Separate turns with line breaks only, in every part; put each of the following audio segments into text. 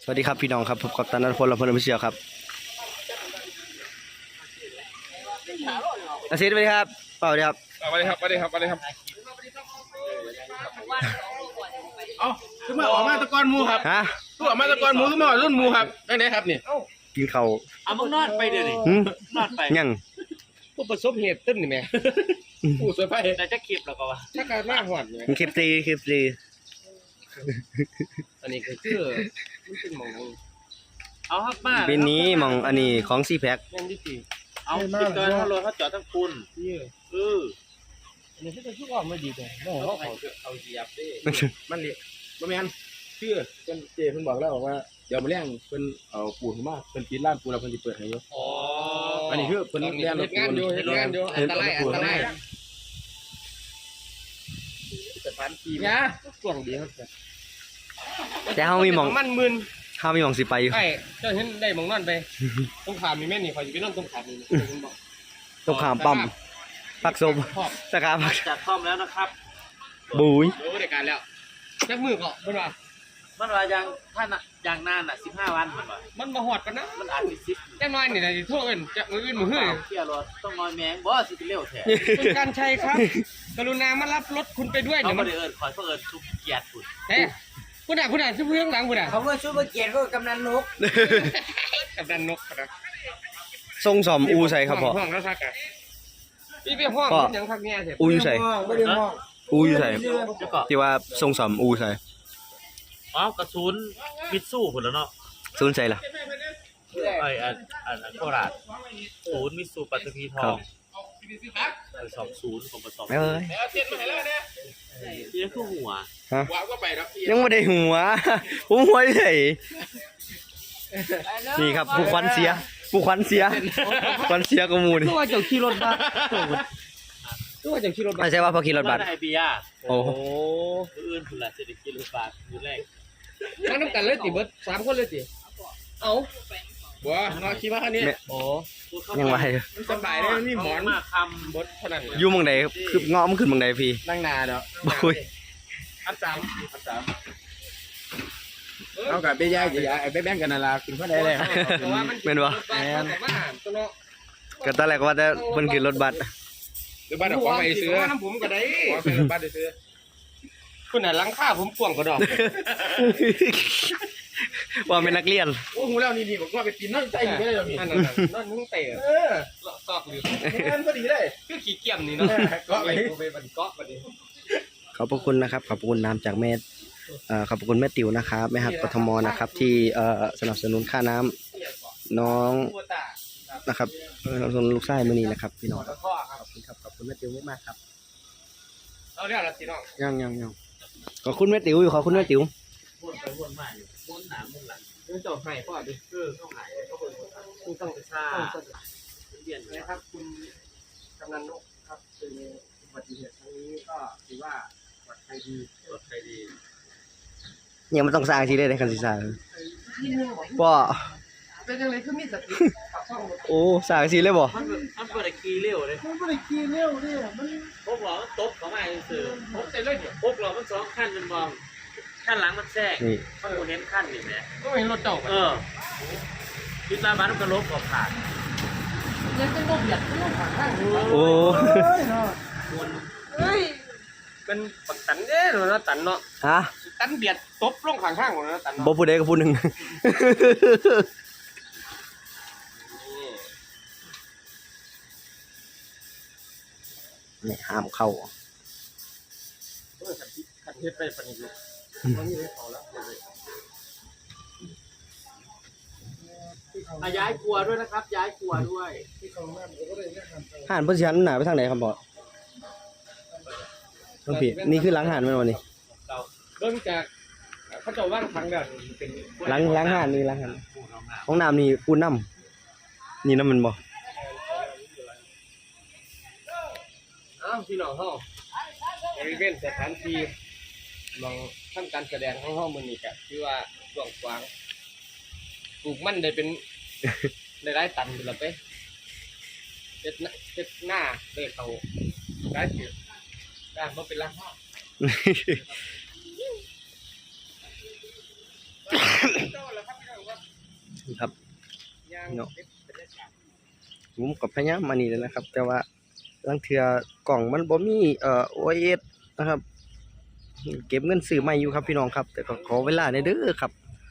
สวัสดีครับพี่น้องครับพบกับตันนัทพลและพลพิเชียวครับอาซิดสวัสดีครับเปล่าดีครับ
สวัสดีครับสวัสดีครับสวัสดีครับเอาคือมาออกมาตะกอนมูครับ
ฮะ
คือออกมาตะกอนมูคือมารุ่นมูครับได้ไหนครับนี่
กินข้าว
เอามึงนอนไปเดี๋ยวนี้นอนไป
ยัง
ผู้ประสบเหตุตึ้นนี่แม่ผู้เสียไป
แต่จะคลิปแล้วก็ว่า
ถ้าการมาหอดเนี่ย
คลิปตี
อันนี้คือมันเป็นหมอง
เอาครับมา
เป็นนี้มองอันนี้ของซีแพ็ค
แม่นที่สี่
เอาติดเกินถ้ารถเขาจอดทั้งคุณ
อันนี้คือจะชุกออกไม่ดีเลยโอ้โห
เอาเหยียบดิ
มันเละบ่แม่นชื่อเพิ่นเจเพิ่นบอกแล้วบอกว่าเดี๋ยวมาเลี้ยงเพิ่นเอาปูนมาเพิ่นปิดร้านปูแล้วเพิ่นสิเปิดให้อยู่
อ๋อ
อันนี้คือเพิ่นเลี้ยงงานอยู่อันตรายสถานที่นะช่วงดีครับ
แต่เขามีมอง
มันมึน
เขามีมองสิไปอยู่
ใช่เจ้าเห็นได้มองนอนไปตรงขามมีแม่นี่คอยจะไปนอนตรงขามนี่
ตรงขามปั๊มปักศพสกาพัก
จัดพร้อมแล้วนะครับ
บุ้ย
โอ้เด็กการแล้วจักมือเกาะเพิ่นว่า
มันว่าอย่างนาน15 วัน
มันมาหอดกันนะ
มันอาจสิ10
จังน้อยนี่น่ะสิโทรเอิ้นจักมื้ออื่นมื้อฮื้อ
เที่ยวรถต้องนอนแมงบ่สิเร็วแท้
คุณการชัยครับกรุณามารับรถคุณไปด้วย
เดี๋ยวมันเอิ้นคอยเพิ่นทุกเกียรติคุณ
เฮ้คุณน่ะชื่อเพื่อนหลังคุณน่ะ
เขาว่าชื่อว่าเกียรติก็กำนันนก
กำนันนกครับ
ทรงสอมอูใส่ครับพ่อ
ห้องแล้วซักอ่ะพี่ไปห้องยังพักแง่เสร็จ
อูอยู่ใส่อูอยู่ใส่ที่ว่าทรงสอมอูใส่
อ๋อกระสุนมิดสู้พุ่นแล้วเนาะ
ซูนใส่ล่ะ
อันโคราชศูนย์มิตซูปัตตภีทอง20ของประสอบ
เอ้ย
นี่คือหัว
ฮะยังไม่ได้หัวผมหัวเฉยนี่ครับผู้ควันเสียควันเสียกมูนี่
ตัวเจ้าขี่รถบัสตัวเจ้าขี่รถบัส
ไม่ใช่ว่าพอขี่รถบัส
ไอเบีย
โอ้
อื่นพุ่นล่ะสิได้ขี่รถบัสอยู่แรก
มาน้ำกันเลยติเบิด3คนเลยติเอาบัวมาขี่มาคันนี้โอ้
ยังไง
มันสบายเลยมีหมอน
มาคำ
บดเท่านั้น
อยู่มังใดคือเงาะมันขึ้นมังใดพี่
นั่งนาเนาะ
บุ้ย
อัน3เอากับเบี้ยไอ้แบงกันนั่นล่ะกินเท่าใดเลย
เป็นวะก็ตอนแรกว่าจะเพิ่นขึ้นรถบัส
หรือบัสเอาของไปซื้อน้ำผมก็ได้ขอซื้อบัสได้ซื้อคุณน่ะหลังคาผมกว้างกว่าดอก
ว่าเป็นนักเรียน
โอ้โหแล้วนี่บอกว่าไปปีนนั่นใจอยู่ไม่ได้หรอกนี่นั่นมึงเตะซอกหรือนั่นก็ดีเลยคือขี้เกียจนี่เนาะเกาะไปมันเกาะไปดิ
ขอบพระคุณนะครับขอบพระคุณน้ำจากแม่ขอบพระคุณแม่ติ๋วนะครับแม่หักกทมนะครับที่สนับสนุนค่าน้ำน้องนะครับสนับสนุนลูกชายมื้อนี้นะครับพี่น้องขอบคุณครับขอบคุณแม่ติ๋วมากครับ
เอาเรื่องอะไรสิน้อง
ยังขอบคุณแม่ติ๋วอยู่ขอบคุณแม่ติ๋ว
วนมาอยู่วนหนาวนหลัง
ต้องเจ้าให้พ่อดิ
เข้าหายเข้าไปต้องซ่าเปลี่ยน
นะครับคุณกำนันนกครับเป็นอุบัติเหตุครั้งนี้ก็ถือว่าปลอดภัยดี
ยังไม่ต้องสร้างทีได้คันสิสร้างพ่อ
เป็นยังไงคือมีสติ
โอ้สร้างทีเลยบ่
มันเปิดคีย์เร็วเลย
มันเปิดคีย์เร็วเนี่ยมัน
พวกเราตบเขาไม่สื่อ
ตบเสร็จเลยเนี่ย
พวกเรามัน2ขั้นมันมองขั้นหลังมันแทรกมันเห็นขั้นนี่แหละ
ก็เห็นรถเจ้า
คิดว่าบ้านมันก็ลบกับขาด
ยังจะลบหยัดก็ลบขาดข้าง
โอ้
เฮ้ยเป็นปักตันเด้อเนาะตันเนาะ
ฮะ
ตันเบียดตบลงข้างๆของเนาะตัน
บ่พูดได้ก็พูดหนึ่งนี่ห้ามเข้า
ขันเทปไปปนิบุมันนี่ได้เขาแล้ว
ย้ายครัวด้วยนะครับย้ายครัวด้วย
ห่านเพื่อนชั้นหนาไปทางไหนครับบอสต้องผิดนี่คือล้างห่านไหมวันนี้
เริ่มจากเขาจะว่างทางเดินเป็น
ล้างห่านนี่ล้างห่านห้องน้ำนี่ปูนน้ำนี่น้ำมันบ่
อ้าวพี่น้องเขาบริเวณสถานที่มองทำการแสดงของห้องมือนี่กะคือว่ากว้างกว้างปลูกมันได้เป็นได้ตันอยู่แล้วไปเจ็ดหน้าได้เขาได้เกี่ยวได้มาเป็นล้างห้องเจ้าแล้วครับ
เนาะผมก็พยายามมานี่แล้วนะครับ แต่ว่าลางเทื่อกล่องมันบ่มีOS นะครับ เก็บเงินซื้อใหม่อยู่ครับพี่น้องครับ แต่ก็ขอเวลาหน่อยเด้อครับ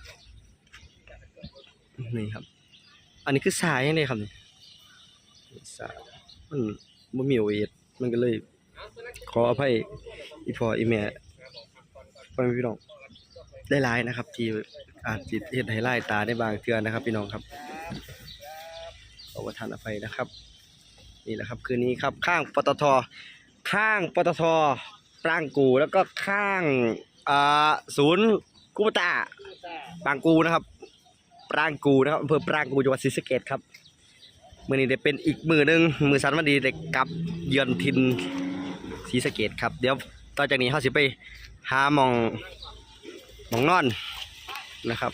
นี่ครับ อันนี้คือสายยังไงครับนี่สายมันบ่มีOS มันก็เลย ขออภัยอีพ่ออีแม่พ่อแม่พี่น้องได้หลายนะครับ ที่อาจสิเฮ็ดให้ลายตาได้บางเทื่อนะครับ พี่น้องครับขอประทานอภัยนะครับ นี่แหละครับคืนนี้ครับ ข้างปตทปรางกูแล้วก็ข้างศูนย์กุปตาปรางกูนะครับปรางกูนะครับอำเภอปรางกูจังหวัดศรีสะเกษครับมื้อนี้ได้เป็นอีกมื้อนึงมื้อสันวันดีได้กลับเยือนถิ่นศรีสะเกษครับเดี๋ยวต่อจากนี้เฮาสิไปหาหม่องนอนนะครับ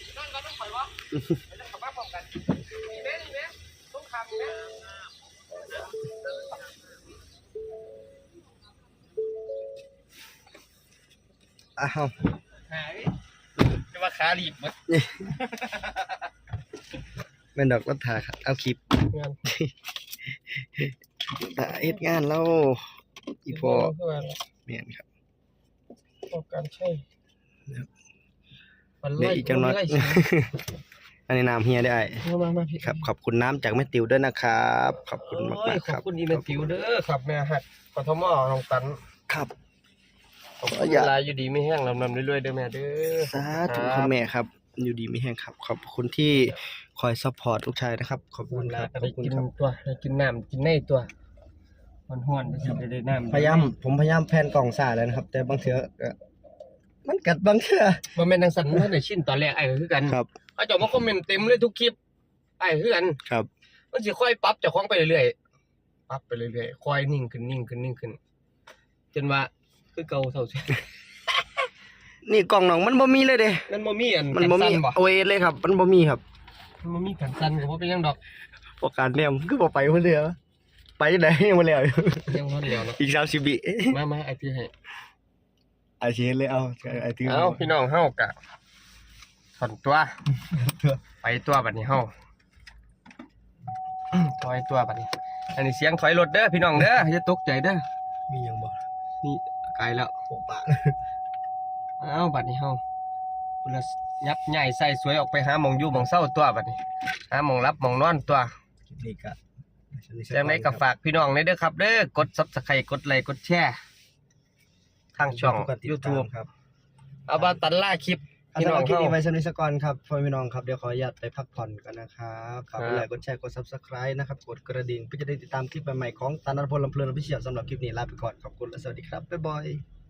อ้าว
จะว่าขาลีบหมด
แม่นดอกรัฐาครับเอาคลิป
งาน
เฮ็ดงานแล้วอีพอแม่นครับ
การใช่
เดี๋ยวอีกจังน้อย อันนี้น้ำเฮียได้
มาพี่
ครับขอบคุณน้ำจากแม่ติ๋วด้วยนะครับขอบคุณมากๆ
ข
ค
อบ
รับ
คุณอีเมติวเด้อครับแม่หักกทมน้องตัน
ครับ
ขอบคุณเวลาอยู่ดีไม่แห้งลำเรื่อยๆเด้อแม่เด้อ
สาธุคุณแม่ครับ อยู่ดีไม่แห้งครับ ขอบคุณที่คอยซัพพอร์ตลูกชายนะครับ ขอบคุณครับข
ได้
อบคุณ
กิน
ครับ
ตัวได้กินน้ำกินในตัวห้อนๆได้น้ำ
ผมพยายามแพนกล่องซ่าแล้วนะครับ แต่บางเทื่อมันกัดบางเทื่อ
บ่แม่นจังซั่นมันได้ชินตอนแรกไอ้ก็คือกัน
ครับ
เขาเจ้ามาคอมเมนต์เต็มเลยทุกคลิปไอ้คือกัน
ครับ
มันสิค่อยปรับเจ้าของไปเรื่อยๆปรับไปเรื่อยๆค่อยนิ่งขึ้นจนว่าคือเก่าเท่าสิ
นี่กล่องหนองมันบ่มีเลยเด้
มันบ่มีอัน
มันบ่มี
สั้บ่
โอเอเลยครับ มันบ่มีครับ
มันบ่มีกันสั้นก็บ่เป็นหยังดอก
ประการเนี่ยมันคือบ่ไปคนเดียวไปจังได๋ยังบ่แล้วอยู่
ยังฮอนแล้วเนาะ
อีก30วิ
มาไอ้ที่ให้
อาชีพเลยเอาไอ้ถือ
เอาพี่น้องเฮากะถอนตัว ไปตัวบัดนี้เฮาถอยตัวบัดนี้ อันนี้เสียงถอยรถเด้อพี่น้องเด้ออย่าตกใจเด้อ
มีหยังบ่
นี่ไกลแล้ว
โปะปะ
เอาบัดนี้เฮาพุ่นละยับใหญ่ใส่สวยออกไปหาหม่องอยู่หม่องเศร้าตัวบัดนี้หาหม่องรับหม่องนอนตัว
คลิปนี้ก็
จังไดก็ฝากพี่น้องเด้อครับเด้อกด Subscribe กดไลค์กดแชร์ทางช่อง YouTube
ครับ
เอาบาตันล่าคลิป
พี่
พี่
น้
น้
อ
อง ง
คลิป
เฮา
นี้ไว้สำหรับนิสกรครับพ่อพี่น้องครับเดี๋ยวขออนุญาตไปพักผ่อนกันนะครับฝากกดไลค์กดแชร์กด Subscribe นะครับกดกระดิ่งเพื่อจะได้ติดตามคลิปใหม่ๆของตานัทพลลำเพลินออฟฟิเชียลสำหรับคลิปนี้ลาไปก่อนขอบคุณและสวัสดีครับบ๊ายบาย